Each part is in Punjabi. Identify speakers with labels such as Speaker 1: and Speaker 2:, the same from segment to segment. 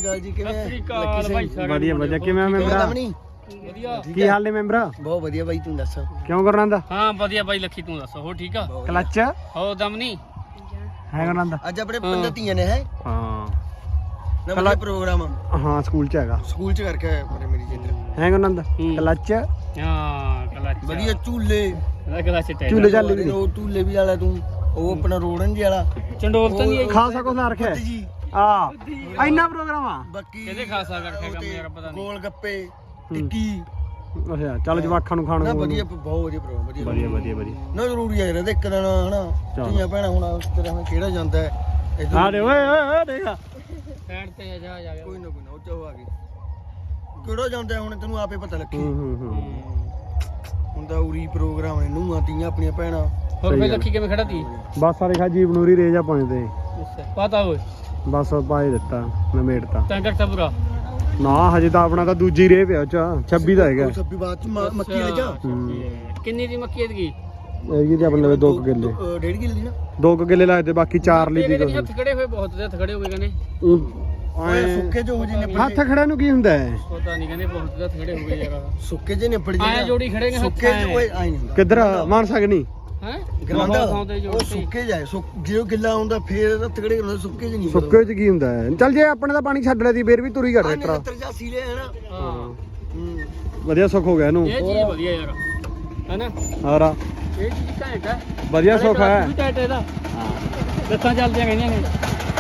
Speaker 1: ਅਕਾਲ ਜੀ, ਕਿਵੇਂ
Speaker 2: ਸਤਿ ਸ੍ਰੀ ਅਕਾਲ ਭਾਈ ਸਾਰੇ
Speaker 3: ਵਧੀਆ ਵਧੀਆ ਕਿਵੇਂ ਮੈਂਬਰਾ
Speaker 2: ਵਧੀਆ
Speaker 3: ਕੀ ਹਾਲ ਨੇ ਮੈਂਬਰਾ
Speaker 1: ਬਹੁਤ ਵਧੀਆ ਬਾਈ, ਤੂੰ ਦੱਸ।
Speaker 3: ਕਿਉਂ ਕਰਨਾ ਦਾ
Speaker 2: ਹਾਂ ਵਧੀਆ ਬਾਈ ਲੱਖੀ ਤੂੰ ਦੱਸ ਹੋ ਠੀਕ ਆ
Speaker 3: ਕਲੱਚ
Speaker 2: ਹੋ ਦਮਨੀ
Speaker 3: ਹੈ ਕਰਨਾ ਦਾ
Speaker 1: ਅੱਜ ਆਪਣੇ ਪਿੰਡ ਧੀਆਂ ਨੇ ਹੈ
Speaker 3: ਹਾਂ
Speaker 1: ਨਵਾਂ ਪ੍ਰੋਗਰਾਮ
Speaker 3: ਹਾਂ ਸਕੂਲ ਚ ਹੈਗਾ,
Speaker 1: ਸਕੂਲ ਚ ਕਰਕੇ ਆਇਆ ਪਰ ਮੇਰੀ ਜਿੱਦ
Speaker 3: ਹੈ ਕਰਨਾ ਦਾ ਕਲੱਚ
Speaker 2: ਹਾਂ ਕਲੱਚ
Speaker 1: ਵਧੀਆ ਝੂਲੇ
Speaker 2: ਕਲੱਚ ਟੈ
Speaker 3: ਝੂਲੇ ਚੱਲ ਵੀ
Speaker 1: ਉਹ ਝੂਲੇ ਵੀ ਵਾਲਾ ਤੂੰ, ਉਹ ਆਪਣਾ ਰੋੜਨ ਜੀ ਵਾਲਾ
Speaker 2: ਚੰਡੋਲ ਤਾਂ ਨਹੀਂ
Speaker 3: ਖਾਸਾ ਕੁਛ ਲਾ ਰੱਖਿਆ
Speaker 1: ਜੀ
Speaker 3: ਆ ਇੰਨਾ ਪ੍ਰੋਗਰਾਮ ਆ
Speaker 1: ਬਾਕੀ
Speaker 2: ਕਿਹਦੇ ਖਾਸਾ ਕਰਕੇ ਕੰਮ ਯਾਰ ਪਤਾ ਨਹੀਂ
Speaker 1: ਗੋਲ ਗੱਪੇ ਟਿੱਕੀ
Speaker 3: ਅੱਛਾ ਚੱਲ ਜਵਾਖਾਂ ਨੂੰ ਖਾਣ
Speaker 1: ਨਾ
Speaker 3: ਨੂੰ
Speaker 1: ਵਧੀਆ, ਬਹੁਤ ਵਧੀਆ ਪ੍ਰੋਗਰਾਮ, ਵਧੀਆ
Speaker 3: ਵਧੀਆ ਵਧੀਆ ਵਧੀਆ
Speaker 1: ਨਾ ਜ਼ਰੂਰੀ ਹੈ ਯਾਰ ਇੱਕ ਦਿਨ ਹਨਾ ਧੀਆਂ ਭੈਣਾਂ ਹੁਣ ਉਸ ਤਰ੍ਹਾਂ ਹੁਣ ਕਿਹੜਾ ਜਾਂਦਾ ਹੈ
Speaker 3: ਆ ਦੇ ਓਏ ਓਏ ਦੇਖਾ
Speaker 2: ਸਾਈਡ ਤੇ ਜਾ ਜਾ
Speaker 1: ਕੋਈ ਨਾ ਉਹ ਚਾਹ ਆ ਗਈ ਕਿਹੜਾ ਜਾਂਦਾ ਹੁਣ ਤੈਨੂੰ ਆਪੇ ਪਤਾ ਲੱਗੇ ਹੁੰਦਾ ਉਰੀ ਪ੍ਰੋਗਰਾਮ ਨੇ ਨੂੰਹਾਂ ਧੀਆਂ ਆਪਣੀਆਂ ਭੈਣਾਂ।
Speaker 2: ਹੋਰ ਫੇ ਲੱਖੀ ਕਿਵੇਂ ਖੜਾ ਤੀ
Speaker 3: ਬਸ ਸਾਰੇ ਖਾ ਜੀਵ ਨੂਰੀ ਰੇਜਾ ਪਹੁੰਚਦੇ
Speaker 2: ਪਤਾ ਓਏ
Speaker 3: ਬਸ ਪਾਈ ਦਿੱਤਾ ਨਮੇੜਤਾ
Speaker 2: ਤਾਂ ਕਰਤਾ ਪੂਰਾ
Speaker 3: ਨਾ ਹਜੇ ਤਾਂ ਆਪਣਾ ਤਾਂ ਦੂਜੀ ਰੇ ਪਿਆ ਚ 26 ਦਾ ਹੈਗਾ
Speaker 1: 26 ਬਾਅਦ ਚ ਮੱਕੀ ਲੈ ਜਾ
Speaker 2: ਕਿੰਨੀ ਦੀ ਮੱਕੀ ਐਤਕੀ
Speaker 3: ਇਹ ਜੀ ਆਪਣੇ ਲਵੇ 2 ਕਿੱਲੇ
Speaker 1: 1.5 ਕਿੱਲੇ ਦੀ ਨਾ
Speaker 3: 2 ਕਿੱਲੇ ਲੱਗਦੇ ਬਾਕੀ 4 ਲਈ ਦੀ
Speaker 2: ਹੱਥ ਖੜੇ ਹੋਏ ਬਹੁਤ ਹੱਥ ਖੜੇ ਹੋ ਗਏ ਕਹਿੰਦੇ
Speaker 1: ਓਏ ਸੁੱਕੇ ਜੋ ਹੋ ਜੀ ਨੇ
Speaker 3: ਹੱਥ ਖੜਿਆ ਨੂੰ ਕੀ ਹੁੰਦਾ ਹੈ
Speaker 2: ਪਤਾ ਨਹੀਂ ਕਹਿੰਦੇ ਬਹੁਤ ਹੱਥ ਖੜੇ ਹੋ ਗਏ ਯਾਰ
Speaker 1: ਸੁੱਕੇ ਜੇ ਨਿਪੜ ਜੀ
Speaker 2: ਆਇਆ ਜੋੜੀ ਖੜੇ ਨੇ ਹੱਥ
Speaker 1: ਸੁੱਕੇ ਓਏ ਆਈ ਨਹੀਂ
Speaker 3: ਕਿੱਧਰ ਮਾਨ ਸਕਣੀ
Speaker 2: ਹੈ
Speaker 1: ਗਰਾਂਦਾ
Speaker 2: ਥਾਂ ਤੇ
Speaker 1: ਉਹ ਸੁੱਕੇ ਜਾਏ ਜੇ ਗਿੱਲਾ ਹੁੰਦਾ ਫੇਰ ਤਗੜੇ ਹੁੰਦੇ ਸੁੱਕੇ ਚ ਨਹੀਂ
Speaker 3: ਸੁੱਕੇ ਚ ਕੀ ਹੁੰਦਾ ਹੈ ਚੱਲ ਜੇ ਆਪਣੇ ਦਾ ਪਾਣੀ ਛੱਡ ਲਿਆ ਦੀ ਫੇਰ ਵੀ ਤੁਰੀ ਘੜ ਟਰੈਕਟਰ
Speaker 1: 83 ਲੈ ਹਨਾ
Speaker 2: ਹਾਂ
Speaker 3: ਵਧੀਆ ਸੁੱਖ ਹੋ ਗਿਆ ਇਹਨੂੰ
Speaker 2: ਇਹ ਚੀਜ਼ ਵਧੀਆ ਯਾਰ ਹੈਨਾ
Speaker 3: ਹਾਰਾ
Speaker 2: ਇਹ ਚੀਜ਼ ਘੈਂਟ ਹੈ
Speaker 3: ਵਧੀਆ ਸੁੱਖ ਹੈ
Speaker 2: ਵੀ ਘੈਂਟ ਇਹਦਾ ਲੱਤਾਂ ਚੱਲਦੀਆਂ ਕਹਿੰਦੀਆਂ ਨੇ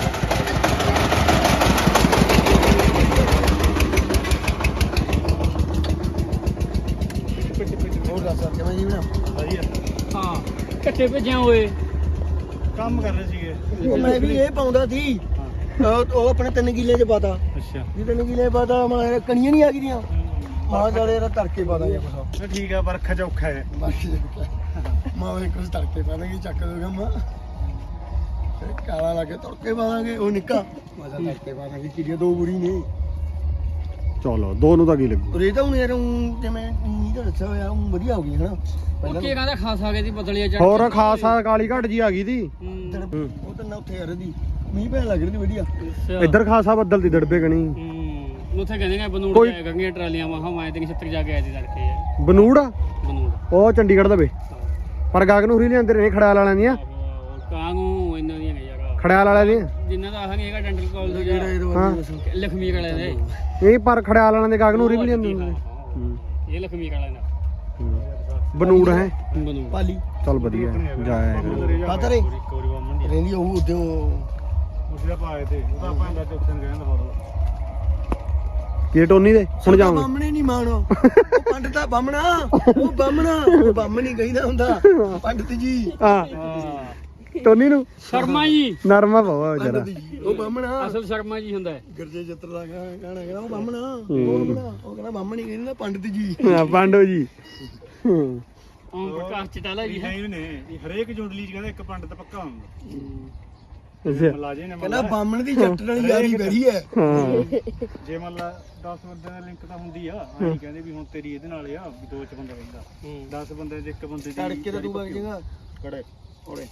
Speaker 1: ਹੋਰ ਦੱਸ ਕਿਵੇਂ ਜੀ ਨਾ
Speaker 3: ਵਧੀਆ
Speaker 2: ਹਾਂ ਕੱਟੇ ਭੇਜਿਆ ਹੋਏ
Speaker 3: ਕੰਮ ਕਰ ਰਹੇ ਸੀਗੇ
Speaker 1: ਮੈਂ ਵੀ ਇਹ ਪਾਉਂਦਾ ਸੀ ਉਹ ਆਪਣੇ 3 ਕਿੱਲੇ ਚ ਪਾਤਾ
Speaker 3: ਅੱਛਾ
Speaker 1: ਜੀ 3 ਕਿੱਲੇ ਪਾਤਾ ਮੈਂ ਕਣੀਆਂ ਨਹੀਂ ਆ ਗਈਆਂ ਮਾਂ ਜਾਲੇ ਇਹਦਾ ਤੜਕੇ ਪਾ ਦਾਂਗੇ ਕੁਛ
Speaker 3: ਠੀਕ ਆ ਵਰਖਾ ਚ ਔਖਾ ਹੈ
Speaker 1: ਮਾਂ ਵੇ ਕੁਛ ਤੜਕੇ ਪਾ ਦਾਂਗੇ ਚੱਕ ਦੋਗਾ ਮਾਂ ਕਾਲਾ ਲਾ ਕੇ ਤੜਕੇ ਪਾ ਦਾਂਗੇ ਉਹ ਨਿੱਕਾ ਮਾਂ ਤੜਕੇ ਪਾ ਦਾਂਗੇ ਕਿਰੀਆਂ 2 ਬੁਰੀ ਨੇ
Speaker 3: ਚਲੋ ਦੋ ਨੂੰ ਤਾਂ ਕੀ ਲੱਗੂ
Speaker 1: ਰੇ ਤਾਂ ਹੁਣ ਯਾਰ ਜਿਵੇਂ ਨੀ ਤਾਂ ਦੱਸਿਆ ਹੋਇਆ ਵਧੀਆ ਹੋ ਗਈ ਹਨਾ
Speaker 2: ਉਹ ਕੀ ਕਹਿੰਦਾ ਖਾਸ ਆ ਗਏ ਦੀ ਬਦਲੀਆਂ ਚੜ
Speaker 3: ਹੋਰ ਖਾਸਾ ਕਾਲੀ ਘਟ ਜੀ ਆ ਗਈ ਦੀ
Speaker 1: ਉਹ ਤਾਂ ਨਾ ਉੱਥੇ ਯਾਰ ਦੀ ਮੀਂਹ ਪੈਣ ਲੱਗ ਰਹੀ ਵਧੀਆ
Speaker 3: ਇੱਧਰ ਖਾਸਾ ਬੱਦਲ ਦੀ ਦੜਬੇ ਕਣੀ
Speaker 2: ਉੱਥੇ ਕਹਿੰਦੇ ਨੇ ਬਨੂੜ ਜਾਇਆ ਕਰਨੀਆਂ ਟਰਾਲੀਆਂ ਵਾਹਾਂ ਮੈਂ ਤੇ 76 ਜਾ ਕੇ ਆਇਆ ਸੀ ਤੜਕੇ ਯਾਰ
Speaker 3: ਬਨੂੜ ਆ
Speaker 2: ਬਨੂੜ
Speaker 3: ਉਹ ਚੰਡੀਗੜ੍ਹ ਦਾ ਵੇ ਪਰ ਗਾਗ ਨੂੰ ਹੁਰੀ ਲਿਆਂਦੇ ਨੇ ਖੜਿਆਲ ਵਾਲਿਆਂ ਦੀਆਂ
Speaker 2: ਕਾਂ ਨੂੰ ਇਹਨਾਂ ਦੀਆਂ ਨੇ ਯਾਰ
Speaker 3: ਖੜਿਆਲ ਵਾਲਿਆਂ ਦੀਆਂ
Speaker 2: ਜਿੰਨਾ ਦਾ ਆਹ ਨਹੀਂ ਹੈਗਾ ਡੈਂਟਲ ਕਾਲਜ ਦਾ
Speaker 3: ਹਾਂ
Speaker 2: ਲਖਮੀਰ ਵਾਲੇ ਦੇ
Speaker 3: ਇਹ ਪਰ ਖੜਿਆਲ ਵਾਲਿਆਂ ਦੇ ਗਾਗ ਨੂੰ ਹੁਰੀ ਵੀ ਲਿਆਂਦੇ ਨੇ
Speaker 2: ਇਹ ਲਖਮੀਰ ਵਾਲੇ ਦਾ
Speaker 3: ਬਨੂੜ ਹੈ
Speaker 2: ਬਨੂੜ
Speaker 1: ਪਾਲੀ
Speaker 3: ਚੱਲ ਵਧੀਆ ਜਾਇਆ
Speaker 1: ਪਤਾ ਰੇ ਰਹਿੰਦੀ ਉਹ ਉਦੋਂ
Speaker 3: ਉਸਦਾ ਪਾਏ ਤੇ ਉਹਦਾ ਭਾਂਡਾ ਤੇ ਉੱਥੇ ਕਹਿੰਦਾ ਫੋਟੋ ਕੀ ਟੋਨੀ ਦੇ ਹੁਣ ਜਾਵਾਂ
Speaker 1: ਬਾਹਮਣੇ ਨਹੀਂ ਮਾਣੋ ਉਹ ਪੰਡਤਾ ਬਾਹਮਣਾ ਉਹ ਬਾਹਮਣ ਨਹੀਂ ਕਹਿੰਦਾ ਹੁੰਦਾ ਪੰਡਤ ਜੀ
Speaker 3: ਹਾਂ ਟੋਨੀ ਨੂੰ
Speaker 2: ਸ਼ਰਮਾ ਜੀ
Speaker 3: ਨਰਮਾ ਪਵਾ ਜਰਾ
Speaker 1: ਉਹ ਬਾਹਮਣਾ
Speaker 2: ਅਸਲ ਸ਼ਰਮਾ ਜੀ ਹੁੰਦਾ ਹੈ
Speaker 1: ਗਰਜੇ ਚਿੱਤਰ ਦਾ ਗਾਣਾ ਕਹਿੰਦਾ ਉਹ ਬਾਹਮਣਾ ਉਹ ਕਹਿੰਦਾ ਬਾਹਮਣ ਨਹੀਂ ਕਹਿੰਦਾ ਪੰਡਤ ਜੀ
Speaker 3: ਹਾਂ ਪਾਂਡੋ ਜੀ
Speaker 2: ਓਮ ਪ੍ਰਕਾਸ਼ ਚਟਾਲਾ ਜੀ ਹੈ
Speaker 3: ਨੇ ਹਰੇਕ ਜੁੰਡਲੀ ਚ ਕਹਿੰਦਾ ਇੱਕ ਪੰਡਤ ਪੱਕਾ ਹੁੰਦਾ
Speaker 1: ਅੱਛਾ ਕਹਿੰਦਾ ਬਾਹਮਣ ਦੀ ਜੱਟ ਨਾਲ ਯਾਰੀ ਬੜੀ ਹੈ
Speaker 3: ਜੇ ਮੰਨ ਲਾ 10 ਬੰਦਿਆਂ ਦਾ ਲਿੰਕ ਤਾਂ ਹੁੰਦੀ ਆ ਅਸੀਂ ਕਹਿੰਦੇ ਵੀ ਹੁਣ ਤੇਰੀ ਇਹਦੇ ਨਾਲ ਆ ਵੀ 2 ਚ ਬੰਦਾ ਰਹਿੰਦਾ 10 ਬੰਦਿਆਂ ਦੇ ਇੱਕ ਬੰਦੇ ਦੀ
Speaker 1: ਤੜਕੇ ਤਾਂ ਤੂੰ ਵਗ ਜਾਏਗਾ
Speaker 3: ਕੜੇ
Speaker 1: ਓੜੇ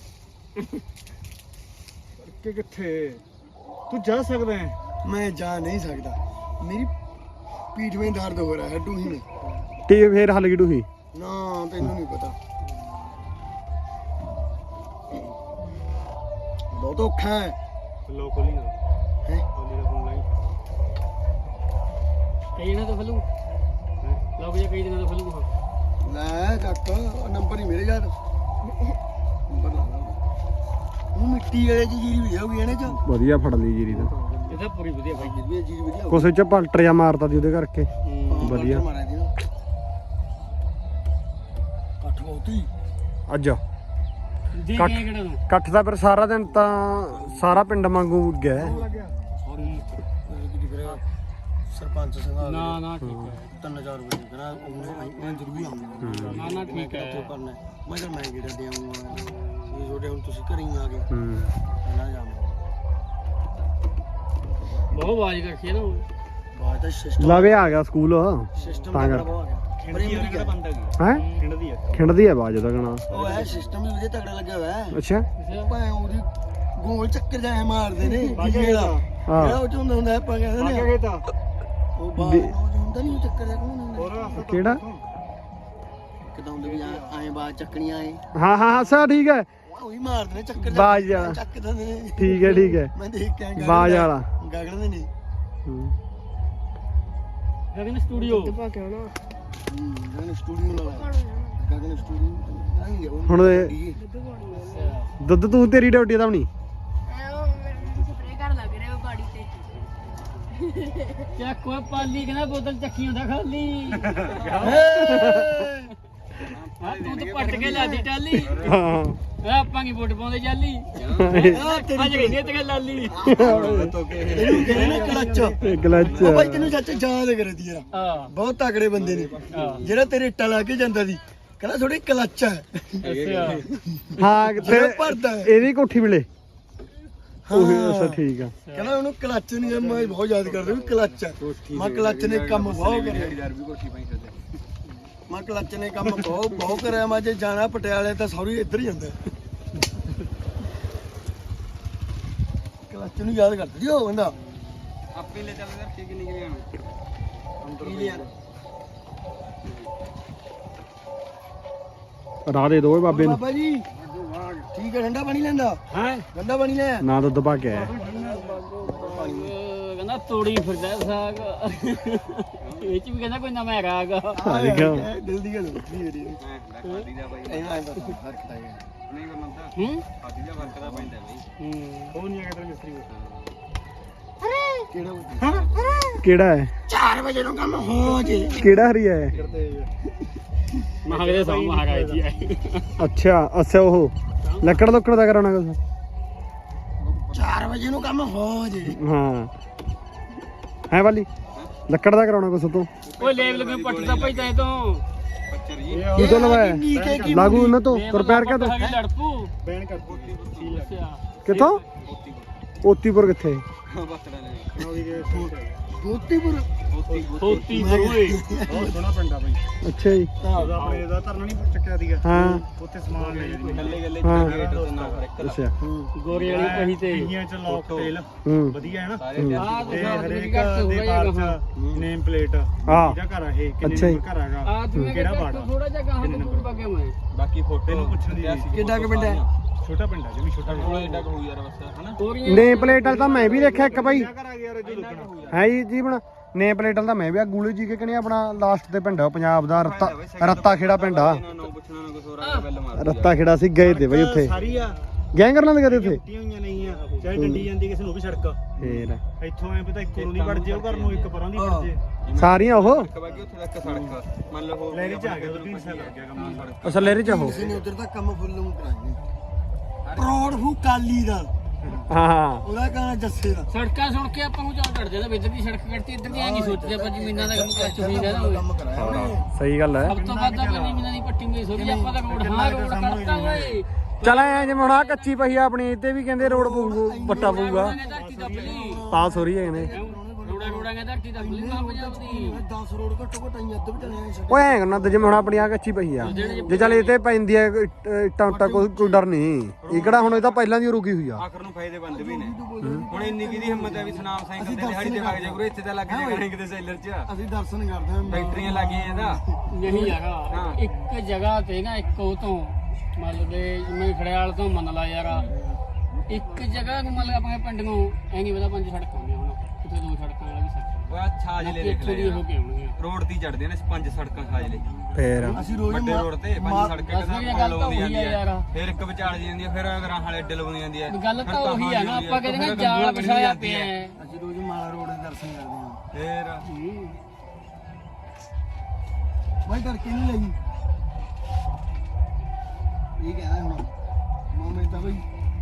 Speaker 3: ਕਿ ਕਿੱਥੇ ਤੂੰ ਜਾ ਸਕਦਾ ਹੈ
Speaker 1: ਮੈਂ ਜਾ ਨਹੀਂ ਸਕਦਾ ਮੇਰੀ ਪੀਠ ਵਿੱਚ ਦਰਦ ਹੋ ਰਿਹਾ ਹੈ ਡੂਹੀ में
Speaker 3: ਤੇ ਫੇਰ ਹਲ ਗਿੜੂ ਹੀ
Speaker 1: ਨਾ ਤੈਨੂੰ ਨਹੀਂ ਪਤਾ ਬਹੁਤ ਔਖਾ ਹੈ
Speaker 3: ਲੋ ਖੋਲੀ ਨਾ
Speaker 1: ਹੈ
Speaker 3: ਖੋਲੀ ਦਾ ਫੋਨ ਲਾਈ
Speaker 2: ਕਈ ਦਿਨਾਂ ਤੋਂ ਖਲੂ ਲੋਕ ਜੇ ਕਈ ਦਿਨਾਂ ਤੋਂ ਖਲੂ
Speaker 1: ਲੈ ਕਾਕਾ ਨੰਬਰ ਹੀ ਮੇਰੇ ਯਾਰ ਨੰਬਰ ਲਾ ਲਾ ਉਹ ਮਿੱਟੀ ਵਾਲੇ ਚ ਜੀਰੀ ਵੀ ਜਾਊਗੀ ਇਹਨੇ ਚ
Speaker 3: ਵਧੀਆ ਫੜ ਲਈ ਜੀਰੀ ਦਾ
Speaker 2: ਇਹ ਤਾਂ ਪੂਰੀ ਵਧੀਆ ਬਾਈ
Speaker 1: ਜੀਰੀ ਜੀਰੀ ਵਧੀਆ
Speaker 3: ਕੁਸੇ ਚ ਪਲਟਰ ਜਾ ਮਾਰਤਾ ਦੀ ਉਹਦੇ ਕਰਕੇ ਵਧੀਆ
Speaker 1: ਮਾਰਿਆ ਦੀ ਕੱਠ ਬਹੁਤੀ
Speaker 3: ਅੱਜ
Speaker 2: ਦੇ
Speaker 3: ਕੱਟ।
Speaker 2: ਕੇ ਕਿਹੜਾ ਨੂੰ
Speaker 3: ਇਕੱਠ ਦਾ ਫਿਰ ਸਾਰਾ ਦਿਨ ਤਾਂ ਸਾਰਾ ਪਿੰਡ ਵਾਂਗੂ ਗਿਆ
Speaker 1: ਸਰਪੰਚ ਸੰਘਾ
Speaker 2: ਨਾ ਨਾ ਠੀਕ ਹੈ
Speaker 1: 3000 ਰੁਪਏ ਕਹਿੰਦਾ ਮੈਂ ਜ਼ਰੂਰੀ ਆਉਂਗਾ
Speaker 2: ਨਾ ਨਾ ਠੀਕ ਹੈ
Speaker 1: ਕਿੱਥੋਂ ਕਰਨਾ ਮੈਂ ਕਿਹਾ ਮੈਂ ਕਿਹੜਾ ਦੇ ਆਉਂਗਾ ਇਹ ਛੋਟੇ ਹੁਣ ਤੁਸੀਂ ਘਰੇ ਹੀ ਆ ਗਏ
Speaker 3: ਹੂੰ
Speaker 1: ਨਾ ਜਾਵਾਂ
Speaker 2: ਬਹੁਤ ਆਵਾਜ਼ ਕਰਖੀ ਨਾ ਉਹ
Speaker 1: ਬਾਅਦ ਦਾ ਸਿਸਟਮ
Speaker 3: ਲਵੇ ਆ ਗਿਆ ਸਕੂਲ
Speaker 1: ਸਿਸਟਮ
Speaker 3: ਤਾਂ
Speaker 1: ਦਾ
Speaker 3: ਕਰ।
Speaker 1: ਬਹੁਤ ਆ ਗਿਆ ਕਿਹੜਾ ਬੰਦਾ
Speaker 3: ਹੈ ਖਿੰਡਦੀ ਆ ਆਵਾਜ਼ ਉਹਦਾ ਗਣਾ
Speaker 1: ਉਹ ਹੈ ਸਿਸਟਮ ਵੀ ਵਧੀਆ ਤਗੜਾ ਲੱਗਿਆ ਹੋਇਆ ਹੈ
Speaker 3: ਅੱਛਾ
Speaker 1: ਭਾਵੇਂ ਉਹਦੀ ਗੋਲ ਚੱਕਰ ਜਾਏ ਮਾਰਦੇ ਨੇ ਗਿੱਲੇ ਦਾ ਜਿਹੜਾ ਉਹ ਚ ਹੁੰਦਾ ਆਪਾਂ ਕਹਿੰਦੇ ਨੇ
Speaker 3: ਖੇਤਾ
Speaker 1: ਉਹ ਬਾਹਰ ਹੁੰਦਾ ਨਹੀਂ ਚੱਕਰ ਦਾ ਕੋਣ ਹੁੰਦਾ
Speaker 3: ਹੋਰ ਰਸਤਾ
Speaker 4: ਕਿਹੜਾ
Speaker 1: ਕਿਦਾਂ ਹੁੰਦੇ ਵੀ ਐਂ ਬਾਹਰ ਚੱਕਣੀਆਂ ਐ
Speaker 4: ਹਾਂ ਹਾਂ ਸਾ ਠੀਕ ਹੈ
Speaker 1: ਉਹੀ ਮਾਰਦੇ ਨੇ ਚੱਕਰ
Speaker 4: ਬਾਜ ਵਾਲਾ
Speaker 1: ਚੱਕ ਦਿੰਦੇ ਨੇ
Speaker 4: ਠੀਕ ਹੈ
Speaker 1: ਮੈਂ ਦੇਖ ਕੇ ਆਇਆ
Speaker 4: ਬਾਜ ਵਾਲਾ
Speaker 1: ਗਗਨ ਦੇ ਨੇ
Speaker 2: ਗਗਨ ਸਟੂਡੀਓ
Speaker 1: ਗਗਨ ਸਟੂਡੀਓ ਨਾਲ ਗਗਨ ਸਟੂਡੀਓ
Speaker 4: ਹੁਣ ਇਹ ਦੁੱਧ ਤੂੰ ਤੇਰੀ ਡਿਊਟੀ ਤਾਂ ਨਹੀਂ
Speaker 5: ਸਪਰੇ ਕਰ ਲੱਗ ਰਿਹਾ ਬਾੜੀ ਤੇ
Speaker 2: ਚੱਕ ਓਏ ਪਾਲੀ ਕਹਿੰਦਾ ਬੋਤਲ ਚੱਕੀ ਹੁੰਦਾ ਖਾਲੀ ਆ ਤੂੰ ਤਾਂ ਪੱਟ ਕੇ ਲਾਦੀ ਟਾਲੀ
Speaker 4: ਹਾਂ
Speaker 2: ਆ ਆਪਾਂ ਕੀ ਵੋਟ ਪਾਉਂਦੇ ਜਾਲੀ ਅੱਜ ਕਹਿੰਦੇ ਤੇ ਲਾਲੀ
Speaker 1: ਇਹਨੂੰ ਕਹਿੰਦੇ ਨੇ ਕਲੱਚ
Speaker 4: ਗਲਚ
Speaker 1: ਉਹ ਭਾਈ ਤੈਨੂੰ ਸੱਚ ਯਾਦ ਕਰਦੀ ਯਾਰ
Speaker 2: ਹਾਂ
Speaker 1: ਬਹੁਤ ਤਕੜੇ ਬੰਦੇ ਨੇ ਜਿਹੜਾ ਤੇਰੇ ਇੱਟਾਂ ਲਾ ਕੇ ਜਾਂਦਾ ਸੀ ਕਹਿੰਦਾ ਥੋੜੀ ਕਲੱਚ ਹੈ
Speaker 2: ਅੱਛਾ
Speaker 4: ਹਾਂ
Speaker 1: ਜਿਹੜਾ
Speaker 4: ਤੇ
Speaker 1: ਭਰਦਾ ਹੈ
Speaker 4: ਇਹਦੀ ਕੋਠੀ ਮਿਲੇ ਉਹ ਅੱਛਾ ਠੀਕ ਆ
Speaker 1: ਕਹਿੰਦਾ ਉਹਨੂੰ ਕਲੱਚ ਨਹੀਂ ਮੈਂ ਬਹੁਤ ਯਾਦ ਕਰਦਾ ਵੀ ਕਲੱਚ ਹੈ ਮੈਂ ਕਲੱਚ ਨੇ ਕੰਮ ਬਹੁਤ ਕਰਿਆ ਮੈਂ ਕਲੱਚ ਨੇ ਕੰਮ ਬਹੁਤ ਕਰਿਆ ਮੈਂ ਜੇ ਜਾਣਾ ਪਟਿਆਲੇ ਤਾਂ ਸੌਰੀ ਇੱਧਰ ਹੀ ਜਾਂਦਾ ਕਲੱਚ ਨੂੰ ਯਾਦ ਕਰਦਾ ਜੀ ਉਹ ਬੰਦਾ
Speaker 2: ਆਪੇ ਲੈ ਚੱਲ ਯਾਰ ਠੀਕ ਨਹੀਂ ਗਿਆ
Speaker 4: ਰਾਹ ਦੇ ਦੋ ਓਏ ਬਾਬੇ ਨੂੰ
Speaker 1: ਬਾਬਾ ਜੀ ਠੀਕ ਹੈ ਠੰਡਾ ਪਾਣੀ ਲੈਂਦਾ
Speaker 2: ਹੈ
Speaker 1: ਠੰਡਾ ਪਾਣੀ ਲੈ
Speaker 4: ਨਾ ਦੁੱਧ ਪਾ ਕੇ ਆਇਆ
Speaker 2: ਕਹਿੰਦਾ ਤੋੜੀ ਫਿਰਦਾ ਸਾਗ ਇਹ ਚ ਵੀ ਕਹਿੰਦਾ ਕੋਈ ਨਵਾਂ ਹੈਗਾ ਆਗਾ
Speaker 4: ਆ ਦੇਖਿਓ
Speaker 1: ਦਿਲ ਦੀ ਗੱਲ ਹੁੰਦੀ ਹੈ ਇਹ ਐਂ ਬਸ ਫਰਕ ਤਾਂ ਹੈ
Speaker 2: ਹੂੰ
Speaker 3: ਉਹ ਨਹੀਂ ਹੈਗਾ ਤੇਰਾ ਮਿਸਤਰੀ
Speaker 1: ਕਿਹੜਾ
Speaker 4: ਕਿਹੜਾ ਹੈ
Speaker 1: 4 ਵਜੇ ਨੂੰ ਕੰਮ ਹੋ ਜੇ
Speaker 4: ਕਿਹੜਾ ਹਰੀਆ ਹੈ
Speaker 2: ਮਹਾਗਰੇ ਸੌ ਮਹਾਰਾਜ ਜੀ ਆਏ
Speaker 4: ਅੱਛਾ ਅੱਛਾ ਉਹ ਲੱਕੜ ਲੁੱਕੜ ਦਾ ਕਰਾਉਣਾ ਕੁਛ
Speaker 1: 4 ਵਜੇ ਨੂੰ ਕੰਮ ਹੋ ਜੇ
Speaker 4: ਹਾਂ ਹੈ ਵਾਲੀ ਲੱਕੜ ਦਾ ਕਰਾਉਣਾ ਕੁਛ ਤੋਂ
Speaker 2: ਓਏ ਲੇਬ ਲਗੇ ਪੱਟ ਦਾ ਭਾਈ ਤੈ ਤੋਂ
Speaker 4: ਕੀ ਤੋਂ ਲਵਾਇਆ ਲਾਗੂ ਉਹਨਾਂ ਤੋਂ ਰਿਪੇਅਰ ਕਰ ਦੋ
Speaker 2: ਲੜਪੂ
Speaker 3: ਬੈਨ ਕਰ
Speaker 2: ਅੱਛਾ
Speaker 4: ਕਿੱਥੋਂ ਓਤੀਪੁਰ ਕਿੱਥੇ
Speaker 3: ਨੌਵੀਂ ਦੇ ਸੂਟ
Speaker 1: ਗੋਤੀਪੁਰ
Speaker 2: ਹੋਤੀ ਓਏ
Speaker 3: ਬਹੁਤ ਸੋਹਣਾ ਪਿੰਡ ਆ ਬਾਈ
Speaker 4: ਅੱਛਾ ਜੀ
Speaker 3: ਉਹਦਾ ਆਪਣੇ ਦਾ ਧਰਨਾ ਨਹੀਂ ਚੱਕਿਆ ਸੀਗਾ
Speaker 4: ਹਾਂ
Speaker 3: ਉੱਥੇ ਸਮਾਨ ਲੈ ਜਾਂਦੇ ਗੱਲੇ
Speaker 4: ਹਾਂ ਅੱਛਾ
Speaker 2: ਗੋਰੇ ਵਾਲੀ ਕਹੀ ਤੇ
Speaker 3: ਪਹੀਆਂ ਚ ਲੌਕ ਟੇਲ
Speaker 4: ਹੂੰ
Speaker 3: ਵਧੀਆ ਹੈ ਨਾ
Speaker 2: ਆ
Speaker 3: ਤੇ
Speaker 2: ਤੁਸੀਂ
Speaker 3: ਹਰੇਕ
Speaker 2: ਘੱਟ ਹੋ
Speaker 3: ਦੇ
Speaker 2: ਗਿਆ
Speaker 3: ਬਾਰ ਚ ਨੇਮ ਪਲੇਟ
Speaker 4: ਹਾਂ
Speaker 3: ਇਹਦਾ ਘਰ ਆ ਇਹ ਕਿੰਨੇ
Speaker 4: ਅੱਛਾ ਜੀ।
Speaker 3: ਨੰਬਰ ਘਰ ਹੈਗਾ
Speaker 2: ਆ ਤੂੰ
Speaker 3: ਕਿਹੜਾ ਬਾੜਾ
Speaker 2: ਥੋੜਾ ਜਿਹਾ ਗਾਹਾਂ ਤੋਂ ਦੂਰ ਪੱਗੇ ਮੈਂ
Speaker 6: ਬਾਕੀ ਫੋਟੋ
Speaker 3: ਤੈਨੂੰ ਪੁੱਛਣ ਦੀ
Speaker 1: ਕਿੱਡਾ ਕੁ ਪਿੰਡ ਹੈ
Speaker 3: ਛੋਟਾ ਪਿੰਡ ਆ ਜਿਵੇਂ ਛੋਟਾ
Speaker 6: ਕੋਲੇ ਏਡਾ ਕੁ ਹੋਊ ਯਾਰ ਬਸ ਹਨਾ
Speaker 2: ਤੋਰੀਆਂ
Speaker 4: ਨੇ ਪਲੇਟ ਵਾਲਾ ਤਾਂ ਮੈਂ ਵੀ ਦੇਖਿਆ ਇੱਕ ਭਾਈ
Speaker 3: ਘਰ ਆ ਗਿਆ ਰਜੂ ਲੁਕਣਾ
Speaker 4: ਹੈ ਜੀ ਜੀਵਨ ਨੇ ਪਲੇਟ ਵਾਲਾ ਤਾਂ ਮੈਂ ਵੀ ਆ ਗੂਲੇ ਜੀ ਕੇ ਕਹਣੀ ਆਪਣਾ ਲਾਸਟ ਤੇ ਪਿੰਡ ਆ ਪੰਜਾਬ ਦਾ ਰੱਤਾ ਖੇੜਾ ਪਿੰਡ ਆ
Speaker 6: ਨਾ ਪੁੱਛਣਾ ਨਾ ਕੁਛ ਹੋਰ ਆ ਬੈਲ ਮਾਰ
Speaker 4: ਰੱਤਾ ਖੇੜਾ ਸੀ ਗਏ ਤੇ ਬਈ ਉੱਥੇ
Speaker 3: ਸਾਰੀ ਆ
Speaker 4: ਗੈਂਗ ਕਰਨ ਦੇ ਕਦੇ ਉੱਥੇ
Speaker 3: ਟੁੱਟੀਆਂ ਹੋਈਆਂ ਨਹੀਂ ਆ ਚਾਹੇ ਡੰਡੀ ਜਾਂਦੀ ਕਿਸੇ ਨੂੰ ਵੀ ਸੜਕ
Speaker 4: ਫੇਰ
Speaker 3: ਇੱਥੋਂ ਐ ਪਤਾ ਇੱਕੋ ਨੂੰ ਨਹੀਂ ਵੜ ਜੇ ਉਹ ਘਰ ਨੂੰ ਇੱਕ ਪਰਾਂ ਦੀ ਵੜ ਜੇ
Speaker 4: ਸਾਰੀਆਂ ਉਹ
Speaker 6: ਬਾਕੀ ਉੱਥੇ ਤੱਕ ਸੜਕ ਮੰਨ ਲਓ ਹੋਰ
Speaker 3: ਲੈ ਕੇ ਜਾ ਗਿਆ 3 ਸਾਲ ਲੱਗ ਗਿਆ ਕੰਮ
Speaker 4: ਅਸਲ ਲੇਰੇ ਚ ਉਹ
Speaker 1: ਕਿਸੇ ਨੇ ਉਧਰ ਤੱਕ ਕੰਮ ਫੁੱਲ ਨੂੰ ਕਰਾਏ ਪ੍ਰੌੜ ਹੂ ਕਾਲੀ ਦਾ
Speaker 4: ਹਾਂ
Speaker 1: ਉਹਦਾ ਕਹਣਾ ਜੱਸੇ ਦਾ
Speaker 2: ਸੜਕਾਂ ਸੁਣ ਕੇ ਆਪਾਂ ਨੂੰ ਚਾਹ ਕੱਢਦੇ ਨਾ ਇੱਧਰ ਦੀ ਸੜਕ ਕੱਢਤੀ ਇੱਧਰ ਦੀ ਐਂ ਨਹੀਂ ਸੋਚਦੇ ਆਪਾਂ ਜ਼ਮੀਨਾਂ ਦਾ ਕੰਮ ਕਰ ਚੁੱਕੀ ਨਾ ਹੋਵੇ
Speaker 1: ਕੰਮ ਕਰਾਇਆ ਉਹਨੇ
Speaker 4: ਸਹੀ ਗੱਲ ਹੈ
Speaker 2: ਸਭ ਤੋਂ ਵੱਧ ਆਪਾਂ ਜ਼ਮੀਨਾਂ ਦੀ ਪੱਟੀ ਨਹੀਂ ਸੋਚੀ ਆਪਾਂ ਤਾਂ ਰੋਡ ਹਾਂ ਰੋਡ ਕਰਤਾ ਓਏ
Speaker 4: ਚਲ ਐ ਜਿਵੇਂ ਹੁਣ ਆ ਕੱਚੀ ਪਈ ਆ ਆਪਣੀ ਤੇ ਵੀ ਕਹਿੰਦੇ ਰੋਡ ਪਊਗਾ ਪੱਟਾ ਪਊਗਾ
Speaker 2: ਧਰਤੀ ਦਾ ਪਲੀ
Speaker 4: ਪਾਸ ਹੋ ਰਹੀ ਹੈ ਕਹਿੰਦੇ
Speaker 2: ਰੋੜਾ ਨੇ ਧਰਤੀ ਦਾ ਪਲੀ ਨਾ ਪੰਜਾਬ ਦੀ
Speaker 1: 10 ਰੋਡ ਘੱਟੋ ਘੱਟ ਆਈ ਅੱਧ ਵੀ ਚਲੇ ਛੱਡ
Speaker 4: ਓਏ ਐ ਕਰਨਾ ਤੇ ਜਿਵੇਂ ਹੁਣ ਆਪਣੀ ਆ ਕੱਚੀ ਪਈ ਆ ਜੇ ਚੱਲ ਇਹ ਤੇ ਪੈਂਦੀ ਆ ਇੱਟਾਂ ਉੱਟਾਂ ਕੋਈ ਡਰ ਨਹੀਂ ਇਹ ਕਿਹੜਾ ਹੁਣ ਇਹ ਤਾਂ ਪਹਿਲਾਂ ਦੀ ਰੁਕੀ ਹੋਈ ਆ
Speaker 6: ਆਖਰ ਨੂੰ ਫਾਇਦੇ ਬੰਦ ਵੀ ਨੇ ਹੁਣ ਇੰਨੀ ਕਿਹਦੀ ਹਿੰਮਤ ਹੈ ਵੀ ਸੁਨਾਮ ਸਾਈਕਲ ਤੇ ਦਿਹਾੜੀ ਤੇ ਲੱਗ ਜਾ ਗੁਰੂ ਇੱਥੇ ਤਾਂ ਲੱਗ ਜਾ ਕਰੇ ਕਿਤੇ ਸੈਲਰ 'ਚ
Speaker 1: ਅਸੀਂ ਦਰਸ਼ਨ ਕਰਦੇ ਹਾਂ
Speaker 6: ਫੈਕਟਰੀਆਂ ਲੱਗੀਆਂ ਇਹਦਾ
Speaker 2: ਨਹੀਂ ਯਾਰਾ ਇੱਕ ਜਗ੍ਹਾ ਤੇ ਨਾ ਇੱਕ ਉਹ ਤੋਂ ਮਤਲਬ ਦੇ ਜਿਵੇਂ ਖੜਿਆਲ ਤੋਂ ਮੰਨ ਲਾ ਯਾਰਾ ਇੱਕ ਜਗ੍ਹਾ ਨੂੰ ਮਤਲਬ ਆਪਣੇ ਪਿੰਡ ਨੂੰ ਐ ਨਹੀਂ ਪਤਾ 5 ਸੜਕਾਂ ਹੁੰਦੀਆਂ ਹੁਣ ਕਿਤੇ 2 ਸੜਕਾਂ ਵਾਲਾ ਵੀ ਸੜਕ
Speaker 6: ਉਹ ਆ ਛਾਜਲੇ ਦੇਖ
Speaker 2: ਇੱਥੋਂ ਦੀ
Speaker 6: ਲੈ
Speaker 2: ਹੋ ਕੇ ਆਉਣਗੀਆਂ
Speaker 6: ਰੋਡ ਦੀ ਚੜਦੇ ਨੇ 5 ਸੜਕਾਂ ਛਾਜਲੇ
Speaker 4: ਫੇਰ
Speaker 1: ਅਸੀਂ ਰੋਜ਼
Speaker 6: ਵੱਡੇ ਰੋਡ ਤੇ 5 ਸੜਕਾਂ
Speaker 2: ਬਸ ਇਹ ਗੱਲ ਤਾਂ ਉਹੀ ਆ ਯਾਰ
Speaker 6: ਫਿਰ ਇੱਕ ਵਿਚਾਲ ਜਾਂਦੀ ਹੈ ਫਿਰ ਗਰਾਂ ਵਾਲੇ ਅੱਡੇ ਲਵਾਉਂਦੀ ਜਾਂਦੀ ਹੈ
Speaker 2: ਗੱਲ ਤਾਂ ਉਹੀ ਆ ਨਾ ਆਪਾਂ ਕਹਿੰਦੇ ਨਾ ਜਾਲ ਵਿਛਾਇਆ ਪਿਆ ਹੈ
Speaker 1: ਅਸੀਂ ਰੋਜ਼ ਮਾਲਾ ਰੋਡ ਦੇ ਦਰਸ਼ਨ ਕਰਦੇ ਹਾਂ
Speaker 6: ਫਿਰ
Speaker 1: ਮੈਂ ਕਰਕੇ ਨਹੀਂ ਲਈ ਇਹ ਕਹਿੰਦਾ ਹੁਣ ਮਾਮੇ ਤਾਂ ਬਈ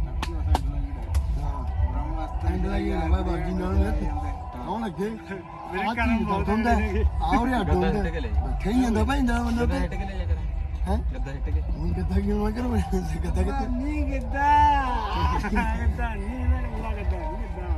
Speaker 1: ਐਂਡ ਲੱਗੀ ਨਾ ਬਾਬਾ ਜੀ ਨਾਲ ਆਉਣ ਲੱਗੇ
Speaker 3: ਮੇਰੇ ਕੰਨ ਬਹੁਤ
Speaker 1: ਹੁੰਦਾ ਆਉਰੇ ਅੱਡ ਹੁੰਦਾ
Speaker 6: ਹਿੱਟ ਕੇ ਲੈ
Speaker 1: ਬੈਠੇ ਹੀ ਜਾਂਦਾ ਭਾਈਂਦਾ ਬੰਦਾ
Speaker 6: ਗੱਦਾ
Speaker 1: ਤੇ
Speaker 6: ਹਿੱਟ ਕੇ ਲੈ ਜਾ ਕਰ
Speaker 1: ਹੈ
Speaker 6: ਗੱਦਾ ਹਿੱਟ ਕੇ
Speaker 1: ਹੁਣ ਕਿੱਦਾਂ ਕੀ ਮੈਂ ਕਰ ਕਿੱਦਾਂ ਕਿੱਥੇ
Speaker 3: ਨਹੀਂ ਕਿੱਦਾਂ ਕਿੱਦਾਂ ਨਹੀਂ ਮੈਂ ਲੱਗਦਾ ਨਹੀਂ ਕਿੱਦਾਂ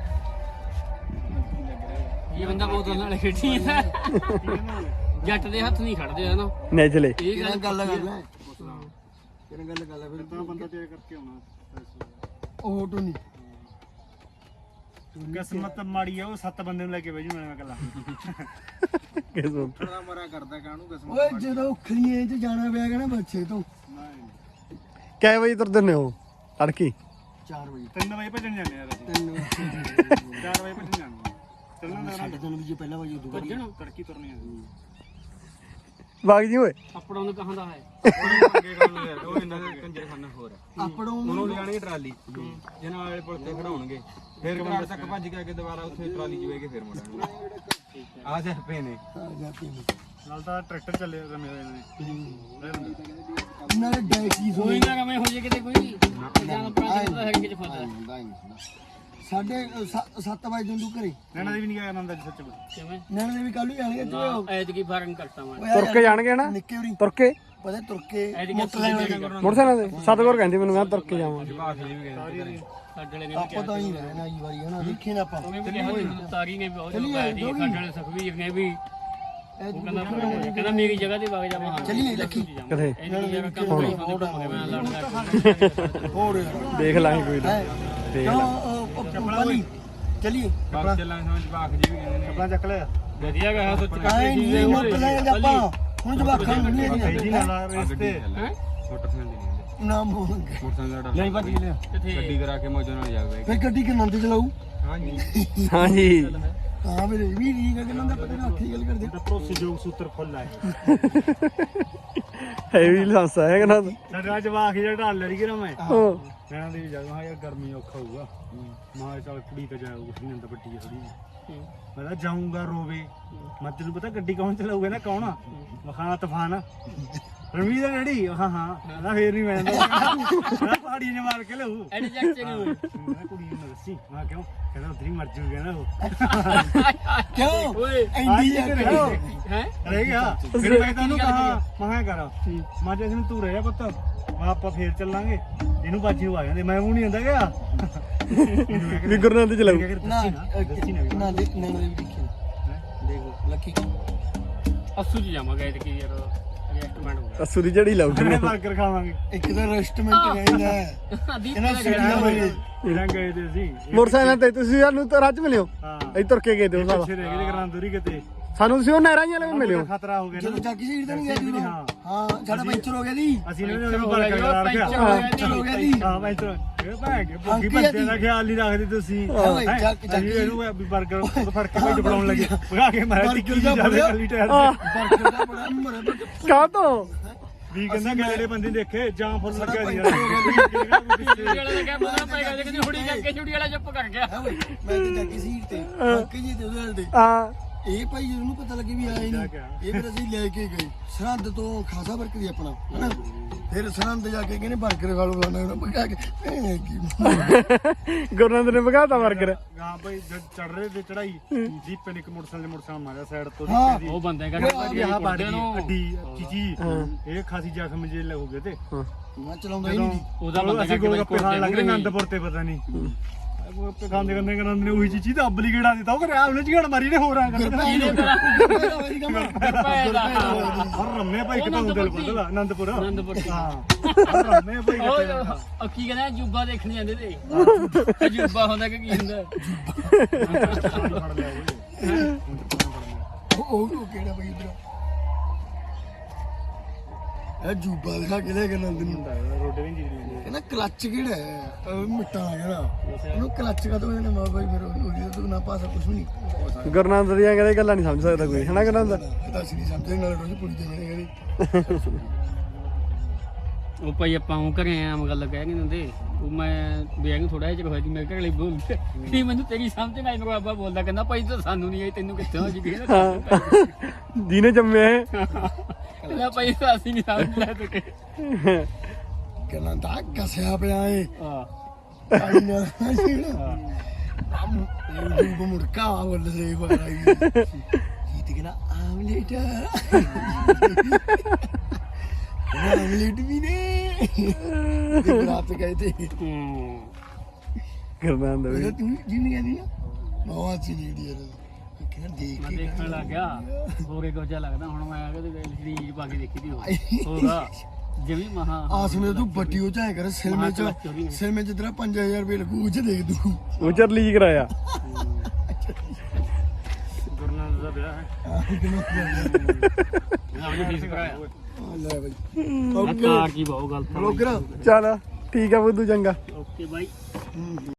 Speaker 2: ਇਹ ਬੰਦਾ ਬਹੁਤ ਨਾਲ ਖੇਡੀ ਹੈ ਜੱਟ ਦੇ ਹੱਥ ਨਹੀਂ ਖੜਦੇ ਹਨਾ
Speaker 4: ਨੇਜਲੇ
Speaker 2: ਇਹ
Speaker 1: ਕਿਹਨਾਂ
Speaker 2: ਗੱਲ
Speaker 1: ਗੱਲ ਕਰ ਲੈ ਕਿਹਨਾਂ ਗੱਲ ਕਰ ਲੈ ਫਿਰ
Speaker 3: ਤਾਂ ਬੰਦਾ ਤੇਰੇ ਕਰਕੇ ਆਉਣਾ
Speaker 1: ਉਹ ਟੂ ਨਹੀਂ
Speaker 3: ਕਿਸਮਤ ਮਾੜੀ ਆ ਉਹ 7 ਬੰਦੇ ਨੂੰ ਲੈ ਕੇ ਬੈਜੂ ਮੈਂ ਇਕੱਲਾ
Speaker 4: ਕਿਸਮਤ
Speaker 6: ਥੋੜਾ ਮਰਾ ਕਰਦਾ ਕਾਹਨੂੰ ਕਿਸਮ
Speaker 1: ਓਏ ਜਦੋਂ ਖਲੀਏ 'ਚ ਜਾਣਾ ਪਿਆ ਨਾ ਬੱਚੇ ਤੋਂ
Speaker 4: ਕਿੰਨੇ ਵਜੇ ਤੁਰਦੇ ਨੇ ਉਹ ਤੜਕੀ
Speaker 1: 4 ਵਜੇ
Speaker 3: 3 ਵਜੇ ਭੱਜਣ ਜਾਂਦੇ ਯਾਰ ਅਸੀਂ
Speaker 1: 3 ਵਜੇ
Speaker 3: 4 ਵਜੇ ਭੱਜਣ ਜਾਂਦੇ ਚੱਲਣ ਦਾ
Speaker 1: ਸਾਡੇ ਤੋਂ ਵੀ ਜੇ ਪਹਿਲਾਂ ਵਜੇ ਉਦੋਂ
Speaker 2: ਭੱਜਣ
Speaker 3: ਤੜਕੀ ਤੁਰਨੀ ਆ
Speaker 4: ਵਗ ਜੀ ਓਏ
Speaker 2: ਆਪਣਾ ਨੂੰ ਕਹਾਂ ਦਾ ਹੈ
Speaker 6: ਉਹ ਇਹਨਾਂ ਦੇ ਕੰਜਰਖਾਨਾ ਹੋਰ ਆ
Speaker 1: ਆਪਣੋਂ
Speaker 6: ਉਹਨੂੰ ਲਿਆਣਗੇ ਟਰਾਲੀ ਜਨਾਂ ਵਾਲੇ ਪੁਲ ਤੇ ਖੜਾਉਣਗੇ ਫਿਰ ਘਰ ਤੱਕ ਭੱਜ ਕੇ ਆ ਕੇ ਦੁਬਾਰਾ ਉੱਥੇ ਟਰਾਲੀ ਜਵੇ ਕੇ ਫਿਰ ਮੁੜਾਂਗੇ ਆ ਜਾ ਪਏ ਨੇ
Speaker 3: ਨਾਲ ਤਾਂ ਟਰੈਕਟਰ ਚੱਲੇ ਰਮੇ ਹੋਏ ਨੇ
Speaker 1: ਨਾਲੇ ਡੈਕੀ
Speaker 2: ਕੋਈ ਨਾ ਰਵੇਂ ਹੋ ਜੇ ਕਿਤੇ ਕੋਈ ਜਾਨ ਪ੍ਰਾਂਤ ਦਾ ਹਰੀਕੇ ਚ ਫਸਦਾ
Speaker 1: ਸਾਡੇ 7 ਵਜੇ ਨੂੰ ਘਰੇ
Speaker 3: ਨੈਣਾ ਦੇ ਵੀ ਨਹੀਂ ਗਿਆ ਨੰਦਾ ਜੀ ਸੱਚ
Speaker 2: ਕਿਵੇਂ
Speaker 1: ਨੈਣ ਦੇ ਵੀ ਕੱਲ ਹੀ ਆਣਗੇ ਤੂੰ
Speaker 2: ਐਤਕੀ ਫਾਰਮ ਕਰਤਾ ਮੈਂ
Speaker 4: ਤੁਰ ਕੇ ਜਾਣਗੇ ਨਾ
Speaker 1: ਨਿੱਕੇ ਹੋਰੀ
Speaker 4: ਤੁਰ ਕੇ
Speaker 1: ਪਤਾ ਤੁਰ ਕੇ
Speaker 2: ਐਤਕੀ
Speaker 4: ਮੋਟਰਸਾਈਕਲ ਤੇ ਸਤਗੁਰ ਕਹਿੰਦੀ ਮੈਨੂੰ ਕਹਿੰਦਾ ਤੁਰ ਕੇ ਜਾਵਾਂਗੇ
Speaker 2: ਸਾਡੇ ਨੇ
Speaker 1: ਆਪਾਂ ਤਾਂ ਹੀ ਰਹਿਣਾ ਇਹ ਵਾਰੀ ਹਨਾ ਦੇਖੀ ਨਾ ਆਪਾਂ
Speaker 2: ਉਹਨੇ ਵੀ ਕਿਹਾ ਤਾਰੀ ਨੇ ਵੀ ਬਹੁਤ ਬੈਠੀ ਸਾਡੇ ਵਾਲੇ ਸੁਖਵੀਰ ਨੇ ਵੀ ਉਹ ਕਹਿੰਦਾ ਮੇਰੀ ਜਗ੍ਹਾ ਤੇ ਵਗ ਜਾ ਮੈਂ
Speaker 1: ਚੱਲੀਏ ਲੱਖੀ
Speaker 4: ਕਿੱਥੇ
Speaker 2: ਇਹਦੀ ਜਗ੍ਹਾ ਕੰਮ ਨਹੀਂ ਹੁੰਦੀ ਮੈਂ ਲੜਦਾ
Speaker 1: ਹੋਰ
Speaker 4: ਦੇਖ ਲਾਂਗੇ ਕੋਈ ਨਾ ਦੇਖ ਲਾਂ
Speaker 1: ਪਾਣੀ ਚੱਲੀਏ
Speaker 6: ਬਾਗ ਚੱਲਾਂ ਸਮਝ ਬਾਗ ਜੀ ਵੀ ਕਹਿੰਦੇ ਨੇ
Speaker 3: ਕੱਪੜਾ ਚੱਕ ਲਿਆ
Speaker 2: ਵਧੀਆ ਗਾ ਸੋਚ
Speaker 1: ਆਏ ਨਹੀਂ ਮੁੱਕ ਲੈ ਆਪਾਂ ਹੁਣ ਜਵਾਖਾਂ ਨੂੰ ਨਹੀਂ
Speaker 3: ਜੀ ਨਾਲ ਰੇਸ ਤੇ
Speaker 2: ਹੈ
Speaker 6: ਮੋਟਰਸਾਈਕਲ ਦੀ ਨਹੀਂ
Speaker 1: ਨਾਮ ਹੋਣਗੇ
Speaker 6: ਮੋਟਰਸਾਈਕਲ ਦਾ ਡਰ
Speaker 2: ਨਹੀਂ ਭੱਜ ਲਿਆ ਕਿੱਥੇ
Speaker 6: ਗੱਡੀ ਕਰਾ ਕੇ ਮੌਜਾਂ ਨਾਲ ਜਾਵੇ
Speaker 1: ਫੇ ਗੱਡੀ ਕਿ ਨੰਦ ਚਲਾਊ
Speaker 6: ਹਾਂਜੀ
Speaker 4: ਹਾਂਜੀ
Speaker 1: ਹਾਂ ਮੇਰੇ ਵੀ ਠੀਕ ਹੈ ਕਿ ਨੰਦ ਪਤਾ ਨਹੀਂ ਆਖੀ ਗੱਲ ਕਰਦੇ
Speaker 3: ਤਾਂ ਭਰੋਸੇਯੋਗ ਸੂਤਰ ਫੁੱਲ ਆਏ
Speaker 4: ਹੈਵੀ ਲਾਂਸਾ ਹੈ ਕਹਿੰਦਾ
Speaker 3: ਸਾਡਾ ਜਵਾਖ ਜਿਹੜਾ ਢਾਲ ਲੜੀ ਗਿਆ ਮੈਂ
Speaker 4: ਉਹ
Speaker 3: ਨੈਣਾ ਦੇ ਵੀ ਜਾ ਯਾਰ ਗਰਮੀ ਔਖਾ ਹੋਊਗਾ ਮਾਂ ਚੱਲ ਕੁੜੀ ਤਾਂ ਜਾਊਗਾ ਨਹੀਂ ਅੰਦਰ ਵੱਡੀ ਥੋੜੀ ਮੈਂ ਤਾਂ ਜਾਊਂਗਾ ਰੋਵੇ ਮੈਂ ਤੈਨੂੰ ਪਤਾ ਗੱਡੀ ਕੌਣ ਚਲਾਊਗਾ ਨਾ ਕੌਣ ਵਖਾਣਾ ਤੂਫਾਨ ਰਣਵੀਰ ਦਾ ਡੈਡੀ ਹਾਂ ਨਾ ਫੇਰ ਨਹੀਂ ਮੈਂ ਨਾ ਪਹਾੜੀ ਨੇ ਮਾਰ ਕੇ ਲਊ
Speaker 2: ਐਡੀ ਜੱਟ ਨੂੰ
Speaker 3: ਮੈਂ ਕੁੜੀ ਨੂੰ ਦੱਸੀ ਮੈਂ ਕਿਉਂ ਕਹਿੰਦਾ ਉਧਰ ਹੀ ਮਰ ਜੂਗਾ ਨਾ ਉਹ
Speaker 1: ਕਿਉਂ
Speaker 2: ਓਏ
Speaker 1: ਐਂਡੀ ਜਾ ਕੇ
Speaker 2: ਹੈ
Speaker 3: ਰਹਿ ਗਿਆ ਫਿਰ ਮੈਂ ਤੈਨੂੰ ਕਹਾ ਮੈਂ ਕਰ ਮੈਂ ਜੇ ਤੂੰ ਤੂੰ ਰਹਿ ਜਾ ਪੁੱਤ ਮੈਂ ਆਪਾਂ ਫੇਰ ਚੱਲਾਂਗੇ ਇਹਨੂੰ ਬਾਜੀ ਨੂੰ ਆ ਜਾਂਦੇ ਮੈਂ ਉਹ ਨਹੀਂ ਹੁੰਦਾ ਗਿਆ
Speaker 4: ਵੀ ਗੁਰਨਾਮ ਤੇ ਚਲਾਉ
Speaker 1: ਨਾ ਨਾ ਦੇਖ ਨਾ ਵੀ ਦੇਖੀ ਦੇਖੋ ਲੱਕੀ
Speaker 2: ਅਸੂ ਜੀ ਜਾਵਾਂਗੇ ਐਤਕੀ ਯਾਰ ਰੈਸਟੋਰੈਂਟ ਹੋਊਗਾ
Speaker 4: ਅਸੂ ਦੀ ਜੜੀ ਲਾਉ
Speaker 3: ਕਿੰਨੇ 버ਗਰ ਖਾਵਾਂਗੇ
Speaker 1: ਇੱਕ ਤਾਂ ਰੈਸਟੋਰੈਂਟ ਰਹਿੰਦਾ
Speaker 2: ਦੀਪ
Speaker 1: ਇਹਨਾਂ ਸਿੱਧੀਆਂ ਹੋਏ
Speaker 3: ਇਹਨਾਂ ਗਏ ਤੇ ਅਸੀਂ
Speaker 4: ਮੋਟਰਸਾਈਕਲ ਤੇ ਤੁਸੀਂ ਸਾਨੂੰ ਤਾਂ ਰੱਜ ਮਿਲਿਓ
Speaker 3: ਹਾਂ
Speaker 4: ਅਸੀਂ ਤੁਰ ਕੇ ਗਏ ਤੇ ਉਹ ਸਾਲਾ
Speaker 3: ਪਿੱਛੇ ਰਹਿ ਗਏ ਕਰਾਂ ਦੂਰੀ ਕਿਤੇ
Speaker 4: ਸਾਨੂੰ ਤੁਸੀਂ ਉਹ ਨਹਿਰਾਂ ਜਿਹੀਆਂ ਵਾਲੇ ਮਿਲਿਓ
Speaker 3: ਖਤਰਾ ਹੋ ਗਿਆ
Speaker 1: ਜਦੋਂ
Speaker 3: ਨਾ
Speaker 1: ਜਾਗੀ ਸੀਟ ਤੇ ਨਹੀਂ ਗਿਆ ਜੀ
Speaker 3: ਹਾਂ
Speaker 1: ਹਾਂ ਸਾਡਾ ਪੈਂਚਰ ਹੋ ਗਿਆ ਜੀ
Speaker 3: ਅਸੀਂ ਇਹਨਾਂ ਨੂੰ 버ਗਰ ਕਰਾ ਰੱਖਿਆ
Speaker 1: ਪੈਂਚਰ ਹੋ ਗਿਆ ਜੀ
Speaker 3: ਹਾਂ ਮੈਂ ਤਾਂ ਇਹ ਭਾਗ ਕੇ ਭੁੱਖੀ ਬੰਦੇ ਦਾ ਖਿਆਲ ਨਹੀਂ ਰੱਖਦੇ ਤੁਸੀਂ
Speaker 1: ਓਏ
Speaker 3: ਅਸੀਂ ਇਹਨੂੰ ਵੀ 버ਗਰ ਉਹ ਫੜ ਕੇ ਭੇਜ ਬਣਾਉਣ ਲੱਗੇ ਭਗਾ ਕੇ ਮਾਰਿਆ ਟਿੱਕੀ ਜਾ ਕੱਲੀ ਟਾਇਰ
Speaker 1: ਬਰਗਰ ਦਾ ਬੜਾ ਮਰੇ
Speaker 4: ਕਾਹ ਤੋਂ
Speaker 3: ਵੀ ਕਹਿੰਦਾ ਗੈਲੇ ਬੰਦੇ ਦੇਖੇ ਜਾਂ ਫੁੱਲ ਲੱਗਿਆ ਸੀ
Speaker 2: ਛੁੜੀ ਵਾਲਾ ਦਾ ਕਿਆ ਪਤਾ ਪਏਗਾ ਜੇ ਕਿਤੇ ਹੁੜੀ ਕਰਕੇ ਛੁੜੀ ਵਾਲਾ ਚੁੱਪ ਕਰ ਗਿਆ
Speaker 1: ਮੈਂ ਤੇ ਜਾਗੀ ਸੀਟ ਤੇ ਬਾਕੀ ਜੀ ਤੇ ਉਹਦੇ ਨਾਲ ਤੇ
Speaker 4: ਆ
Speaker 1: ਇਹ ਭਾਈ ਉਹਨੂੰ ਪਤਾ ਲੱਗੇ ਵੀ ਆਏ ਨਹੀਂ ਇਹ ਫਿਰ ਅਸੀਂ ਲੈ ਕੇ ਗਏ ਸਰਹੰਦ ਤੋਂ ਖਾਸਾ ਵਰਕ ਦੀ ਆਪਣਾ ਹਨਾ ਫਿਰ ਸਰਹੰਦ ਜਾ ਕੇ ਕਹਿੰਦੇ 버ਗਰ ਖਾ ਲਓ ਲਾਣਾ ਪਕਾ ਕੇ
Speaker 4: ਗੁਰਨਾਮ ਨੇ ਭਗਾਤਾ 버ਗਰ
Speaker 3: ਹਾਂ ਭਾਈ ਜਦ ਚੜ ਰਹੇ ਤੇ ਚੜਾਈ ਜੀਪ ਨੇ ਇੱਕ ਮੋਟਰਸਾਈਕਲ ਮਾਰਿਆ ਸਾਈਡ ਤੋਂ
Speaker 2: ਉਹ ਬੰਦੇ ਕਹਿੰਦੇ
Speaker 3: ਆਹ ਬਾੜੀ ਅੱਡੀ ਚੀਚੀ ਇਹ ਖਾਸੀ ਜ਼ਖਮ ਜੇ ਲੱਗੋਗੇ ਤੇ
Speaker 1: ਮੈਂ ਚਲਾਉਂਦਾ ਹੀ ਨਹੀਂ
Speaker 2: ਉਹਦਾ ਬੰਦਾ
Speaker 3: ਅਸੀਂ ਗੋਲ ਗੱਪੇ ਖਾਣ ਲੱਗ ਰਹੇ ਆਨੰਦਪੁਰ ਤੇ ਪਤਾ ਨਹੀਂ ਗੋਲਗੱਪੇ ਖਾਂਦੇ ਖਾਂਦੇ ਕਰਨ ਨੇ ਉਹੀ ਚੀਚੀ ਤਾਂ ਅੱਬਲੀ ਗੇੜਾ ਦਿੱਤਾ ਉਹ ਕਰਿਆ ਉਹਨੇ ਝਗੜ ਮਾਰੀ ਨੇ ਹੋਰ ਆ ਕਰ ਹਰ ਰੰਮੇ ਭਾਈ ਕਿਤਾ ਹੁੰਦਲ ਬਦਲਾ ਆਨੰਦਪੁਰ ਹਾਂ ਰੰਮੇ ਭਾਈ
Speaker 2: ਉਹ ਕੀ ਕਹਿੰਦਾ ਜੁੱਬਾ ਦੇਖਣ ਜਾਂਦੇ ਤੇ ਜੁੱਬਾ ਹੁੰਦਾ ਕਿ ਕੀ ਹੁੰਦਾ
Speaker 3: ਫੜ ਲਿਆ
Speaker 1: ਉਹ ਕਿਹੜਾ ਭਾਈ ਇਧਰ ਇਹ ਜੂਬਾ ਦਿਖਾ ਕੇ ਲੈ ਕੇ ਨੰਦ ਨੂੰ
Speaker 3: ਰੋਟੀ ਵੀ ਨਹੀਂ ਦੀ
Speaker 1: ਕਹਿੰਦਾ ਕਲੱਚ ਕਿਹੜਾ ਹੈ ਉਹ ਮਿੱਟਾ ਆ ਗਿਆ ਉਹਨੂੰ ਕਲੱਚ ਕਾ ਤੋਂ ਇਹਨੇ ਮਾਂ ਬਾਈ ਫਿਰ ਉਹਦੀ ਤੋਂ ਨਾ ਪਾਸਾ ਕੁਝ ਨਹੀਂ
Speaker 4: ਗੁਰਨਾਮ ਦੀਆਂ ਕਹਿੰਦੇ ਗੱਲਾਂ ਨਹੀਂ ਸਮਝ ਸਕਦਾ ਕੋਈ ਹਨਾ ਗੁਰਨਾਮ ਦਾ
Speaker 1: ਇਹ ਤਾਂ ਅਸੀਂ ਨਹੀਂ ਸਮਝਦੇ ਨਾਲ ਰੋਜ਼ ਕੁੜੀ ਦੇ ਮੇਰੇ ਕਹਿੰਦੇ
Speaker 2: ਉਹ ਭਾਈ ਆਪਾਂ ਉਹ ਘਰੇ ਆਮ ਗੱਲ ਕਹਿ ਨਹੀਂ ਦਿੰਦੇ ਉਹ ਮੈਂ ਵਿਆਹ ਨੂੰ ਥੋੜਾ ਜਿਹਾ ਹੋਇਆ ਸੀ ਮੇਰੇ ਘਰ ਲਈ ਬੋਲ ਨਹੀਂ ਮੈਨੂੰ ਤੇਰੀ ਸਮਝ ਨਾ ਮੇਰੇ ਬਾਬਾ ਬੋਲਦਾ ਕਹਿੰਦਾ ਭਾਈ ਤਾਂ ਸਾਨੂੰ ਨਹੀਂ ਆਈ ਤੈਨੂੰ ਕਿੱਥੇ ਹੋ ਜੀ
Speaker 4: ਜਿਹਨੇ ਜੰਮਿਆ ਹੈ
Speaker 2: ਕਹਿੰਦਾ ਭਾਈ ਤਾਂ ਅਸੀਂ ਨਹੀਂ ਸਮਝ ਲੈ ਤੇ
Speaker 1: ਕਹਿੰਦਾ ਤਾਂ ਕਸਿਆ ਪਿਆ ਏ
Speaker 2: ਹਾਂ
Speaker 1: ਆਈ ਨਾ ਸੀਣਾ ਉਹ ਮੁਰਕਾ ਵੱਲ ਸੇ ਵਾਈ ਇਹ ਤੇ ਕਹਿੰਦਾ ਆਮਲੇਟ ਆਮਲੇਟ ਵੀ ਨੇ ਤੇ ਰਾਤ ਗਏ ਤੇ
Speaker 4: ਗੁਰਨਾਮ ਦਾ ਵੀ
Speaker 1: ਤੂੰ ਜਿੰਨੀ ਕਹਿੰਦੀ ਨਾ ਮਾਵਾ ਚ ਨਹੀਂ ਦੀ ਕਹਿੰਦਾ ਦੇਖ
Speaker 2: ਮੈਂ
Speaker 1: ਕੇ
Speaker 2: ਦੇਖਣ ਲੱਗ ਗਿਆ ਹੋਰੇ ਕੁਝ ਜਿਹਾ ਲੱਗਦਾ ਹੁਣ ਮੈਂ ਆ ਕੇ ਤੇ ਰੀਲ ਪਾ ਕੇ ਦੇਖੀ ਦੀ ਹੋਗਾ ਜਿਵੇਂ ਮਹਾ
Speaker 1: ਆਸਮੇ ਤੂੰ ਬੱਟੀ ਉਹ ਚਾਹੇ ਕਰ ਸਿਲਮੇ ਚ ਤੇਰਾ 5000 ਰੁਪਏ ਲੱਗੂ ਉਹ ਚ ਦੇਖ ਤੂੰ
Speaker 4: ਉਹ ਚਰਲੀ ਜੀ ਕਰਾਇਆ
Speaker 3: ਵਿਆਹ ਹੈ
Speaker 2: ਇਹਦਾ ਵੀ ਫੀਸ ਕਰਾਇਆ
Speaker 1: ਲੈ ਬਾਈ
Speaker 2: ਕਾਰ ਕੀ ਬਹੁਤ ਗਲਤ
Speaker 1: ਬਲੌਗਰ
Speaker 4: ਚੱਲ ਠੀਕ ਆ ਬੁੱਧੂ ਚੰਗਾ
Speaker 2: ਓਕੇ ਬਾਈ